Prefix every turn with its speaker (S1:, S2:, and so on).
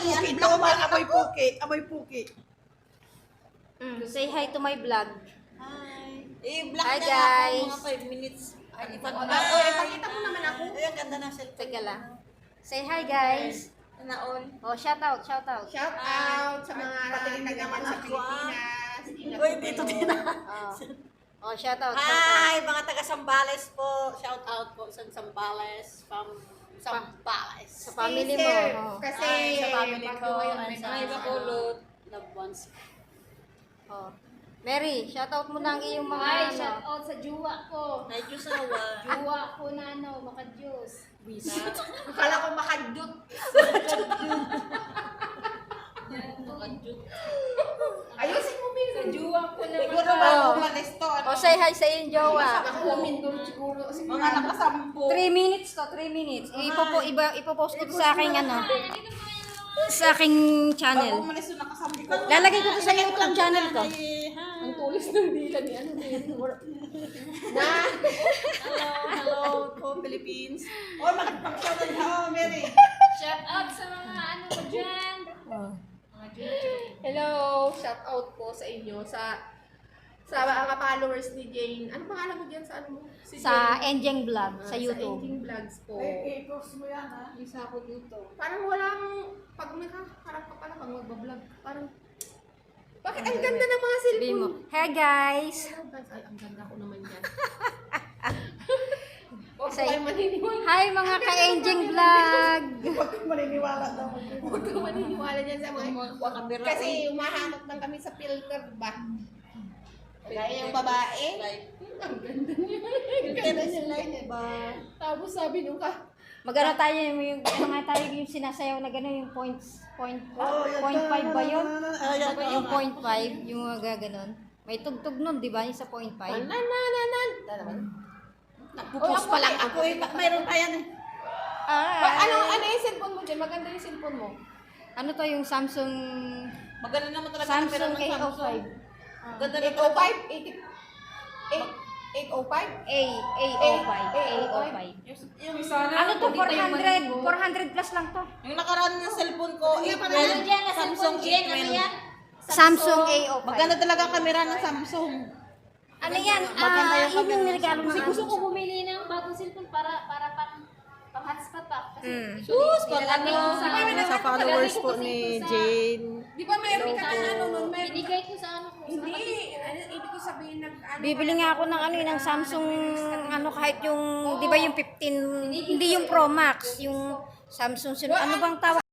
S1: puki daw, amoy puki. Amoy puki.
S2: Say hi to my vlog.
S3: Hi. I-block
S2: Hi,
S3: na
S2: guys.
S3: ako mga 5 minutes. Ay,
S1: Ipakita mo naman ako.
S3: Ay, ang ganda ng cellphone.
S2: Teka lang. Say hi guys.
S3: Naon.
S2: Oh, shout out, shout out.
S1: Shout out sa mga naman sa Pilipinas.
S3: Uy, dito din na.
S2: Oh, shout out, shout out.
S3: Hi, mga taga Sambales po. Shout out po sa Sambales. From Sambales.
S2: Sa family mo. Oh.
S1: Kasi
S3: Ay, sa family ko.
S1: pag-uwi
S3: Ay, sa
S1: may
S3: Bacolod. Loved ones.
S2: Oh. Mary, shout out mo na ang iyong mga
S4: Ay,
S2: ano.
S4: shout out sa juwa ko.
S3: Ay, Diyos awa.
S4: Juwa ko na maka-Diyos.
S1: Akala ko makadut. Ayusin mo, Mil.
S4: Sa juwa ko na
S1: Siguro
S2: Oh.
S1: ba umalis to? Ano?
S2: Oh, say hi sa iyong jowa.
S1: Nakakumin doon siguro.
S3: Mga nakasampu.
S2: 3 minutes to, 3 minutes. Ipopost ko to sa aking ano. Sa aking channel.
S1: Umalis doon nakasampu.
S2: Lalagay ko to sa YouTube channel ko.
S4: ang tulis ng dila ni ano din.
S3: Hello po, Philippines.
S1: Oh, makipag-shout out na. Oh, Mary.
S4: Shout out sa mga ano ko dyan.
S2: Oh.
S1: Hello, shout out po sa inyo sa mga followers ni Jane. Ano pangalan mo diyan sa ano mo? Si
S2: Sa
S1: Jane.
S2: Enjeng Vlog sa
S1: Sa
S2: YouTube.
S1: Engine Vlogs po.
S3: I-post mo yan, ha?
S1: Isa ako dito. Parang walang pag may harap ka pala pag magbablog. Parang bakit ang ganda ng mga
S2: Sabi mo,
S1: cellphone?
S2: hey guys.
S1: Hello guys, ay ang ganda ko naman yan. Huwag
S2: Say-
S1: kayo maniniwala.
S2: Hi mga ka-Enjeng Vlog.
S1: Huwag kang maniniwala daw. Huwag kang maniniwala dyan sa mga kasi umahanap lang kami sa filter ba? Kaya yung babae. Ang ganda niya. Ang ganda niya like ba? Tapos sabi nung
S2: Magano tayo yung ano nga tayo yung sinasayaw na gano'n yung point 5 ba yun? Yung point 5, yung mga gano'n. May tugtog nun, di ba? Yung sa point 5.
S1: Nagpo-post pa lang ako eh. Mayroon pa yan eh. Ano yung cellphone mo dyan? Maganda yung cellphone mo.
S2: Ano to yung Samsung
S3: Maganda naman talaga
S2: Samsung
S3: camera ng
S2: 805.
S3: Samsung. Ganda na
S1: 805?
S2: A805.
S3: Yung isa na.
S2: Ano to? 400 plus lang to.
S3: Yung nakaraan ng cellphone ko,
S4: Ano dyan? Samsung Jen, ano yan?
S2: Samsung A05.
S3: Maganda talaga ang camera ng Samsung.
S2: Ano yan?
S3: Maganda yung
S2: Yun yung
S3: camera.
S2: niregalo
S4: Kasi
S2: ng
S4: gusto ko bumili ng bagong cellphone para pang hotspot pa. Kasi
S3: Sus, pag ano,
S4: nilalagay ko
S3: sa followers po ni Jane.
S1: Di ba mayroon ka na ano nun?
S4: Binigay ko sa ano ko.
S1: Hindi. Ibig ko sabihin
S2: Bibili nga ako ng ano ng Samsung ano kahit yung 'di ba yung 15 hindi yung Pro Max, yung Samsung ano bang tawag